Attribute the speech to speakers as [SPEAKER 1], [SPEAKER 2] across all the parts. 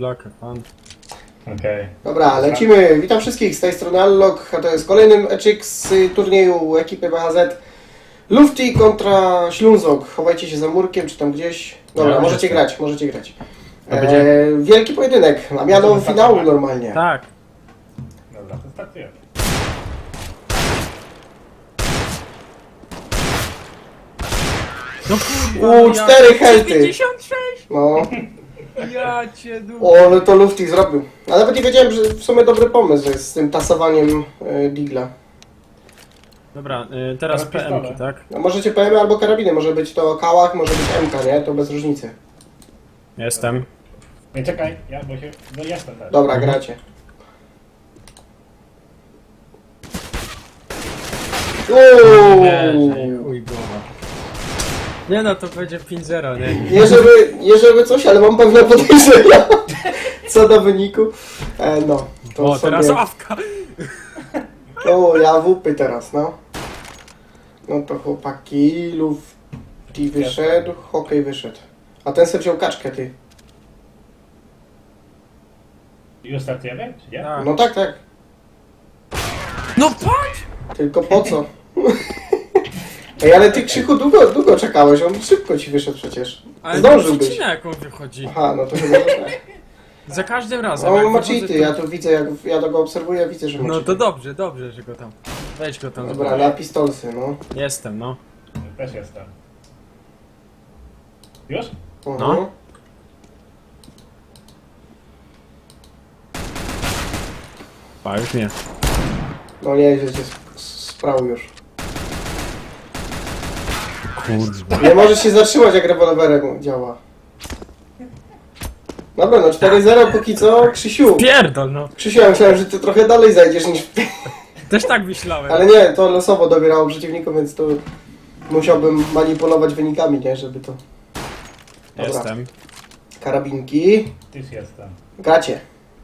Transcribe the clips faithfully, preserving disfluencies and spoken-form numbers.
[SPEAKER 1] luck, pan.
[SPEAKER 2] Okej. Okay.
[SPEAKER 3] Dobra, lecimy. Witam wszystkich, z tej strony Allok, a to jest kolejny meczek z turnieju ekipy B H Z. Lufty kontra Ślązok. Chowajcie się za murkiem, czy tam gdzieś. Dobra,
[SPEAKER 1] Ja
[SPEAKER 3] możecie
[SPEAKER 1] jestem.
[SPEAKER 3] grać, możecie grać.
[SPEAKER 1] To będzie-
[SPEAKER 3] E, wielki pojedynek, na miano
[SPEAKER 2] Możemy
[SPEAKER 3] finału
[SPEAKER 2] startować?
[SPEAKER 3] normalnie.
[SPEAKER 1] Tak.
[SPEAKER 2] Dobra, to startujemy.
[SPEAKER 1] No kurwa,
[SPEAKER 3] U,
[SPEAKER 1] ja-
[SPEAKER 3] cztery helty.
[SPEAKER 1] pięćdziesiąt sześć!
[SPEAKER 3] No,
[SPEAKER 1] Ja cię du...
[SPEAKER 3] o, ale to Lufty zrobił. A nawet nie wiedziałem, że w sumie dobry pomysł jest z tym tasowaniem e, Digla.
[SPEAKER 1] Dobra, y, teraz
[SPEAKER 2] Teraz
[SPEAKER 1] P M ki,
[SPEAKER 2] pistolet.
[SPEAKER 1] tak?
[SPEAKER 3] No, możecie P M albo karabiny, może być to kałach, może być M K, nie? To bez różnicy.
[SPEAKER 1] Jestem.
[SPEAKER 2] Nie, czekaj, ja bo się... No jestem też.
[SPEAKER 3] Dobra,
[SPEAKER 1] Mhm.
[SPEAKER 3] gracie.
[SPEAKER 1] Wierzę,
[SPEAKER 3] Uuu.
[SPEAKER 1] chuj głowa. Nie no, to będzie pięć zero, nie?
[SPEAKER 3] Nie żeby, nie żeby coś, ale mam pewne podejrzenia co do wyniku. E, no, to
[SPEAKER 1] O, teraz
[SPEAKER 3] sobie...
[SPEAKER 1] awka!
[SPEAKER 3] O, ja wupy teraz, no. No to chłopaki, Lufty wyszedł, hokej wyszedł. A ten sobie wziął kaczkę, ty.
[SPEAKER 2] Już startujemy, czy nie?
[SPEAKER 1] Tak.
[SPEAKER 3] No tak, tak.
[SPEAKER 1] No patrz!
[SPEAKER 3] Tylko po co? Ej, ale ty Krzychu długo, długo czekałeś, on szybko ci wyszedł przecież.
[SPEAKER 1] Ale
[SPEAKER 3] Zdążyłbyś.
[SPEAKER 1] przycina jak on wychodzi.
[SPEAKER 3] Aha, no to chyba że tak.
[SPEAKER 1] Za każdym razem.
[SPEAKER 3] No
[SPEAKER 1] jak
[SPEAKER 3] on ma
[SPEAKER 1] wychodzę,
[SPEAKER 3] cheaty,
[SPEAKER 1] to-
[SPEAKER 3] ja tu widzę, jak ja go obserwuję, widzę, że ma
[SPEAKER 1] No to
[SPEAKER 3] cheaty.
[SPEAKER 1] dobrze, dobrze, że go tam. Weź go tam.
[SPEAKER 3] Dobra, na pistolsy, no.
[SPEAKER 1] Jestem, no.
[SPEAKER 2] Też jestem. Już?
[SPEAKER 3] Mhm.
[SPEAKER 1] No. Pa, już nie.
[SPEAKER 3] No nie, że cię sprał już.
[SPEAKER 1] Kurwa.
[SPEAKER 3] Nie możesz się zatrzymać, jak rewolwerem działa. Dobra, no cztery zero póki co, Krzysiu.
[SPEAKER 1] Pierdol, no.
[SPEAKER 3] Krzysiu, ja myślałem, że ty trochę dalej zajdziesz niż...
[SPEAKER 1] Też tak myślałem.
[SPEAKER 3] Ale nie, to losowo dobierało przeciwników, więc to musiałbym manipulować wynikami, nie, żeby to... Dobra.
[SPEAKER 1] Jestem.
[SPEAKER 3] Karabinki.
[SPEAKER 2] Już jestem.
[SPEAKER 3] Gracie.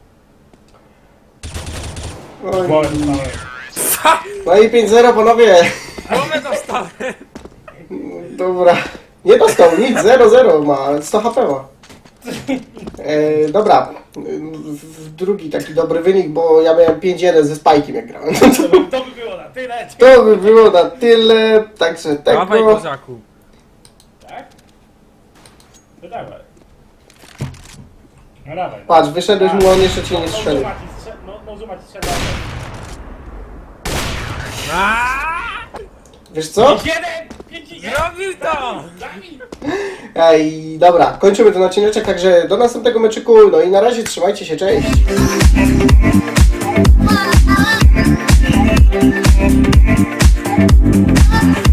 [SPEAKER 3] Oj.
[SPEAKER 2] Głowę dostałem.
[SPEAKER 3] No i pięć zero, panowie.
[SPEAKER 1] Głowę dostałem.
[SPEAKER 3] Dobra. Nie dostał nic, zero zero ma, sto H P ma. E, dobra. W- w Drugi taki dobry wynik, bo ja miałem pięć jeden ze Spajkiem, jak grałem.
[SPEAKER 2] To by, to by było na tyle.
[SPEAKER 3] To by było na tyle, także
[SPEAKER 1] Dawaj,
[SPEAKER 3] tego...
[SPEAKER 1] kozaku.
[SPEAKER 2] Tak? No dawaj. No dawaj.
[SPEAKER 3] Patrz, wyszedłeś mu, on jeszcze cię nie
[SPEAKER 2] No,
[SPEAKER 3] strzelił.
[SPEAKER 2] No, zoom ci strze- no, no zoom ci strzela.
[SPEAKER 3] Wiesz co?
[SPEAKER 2] Jeden! Pięć jeden!
[SPEAKER 1] Zrobił to!
[SPEAKER 2] Zabij!
[SPEAKER 3] Ej, dobra, kończymy ten odcineczek, także do następnego meczyku, no i na razie trzymajcie się, cześć!
[SPEAKER 4] Wow.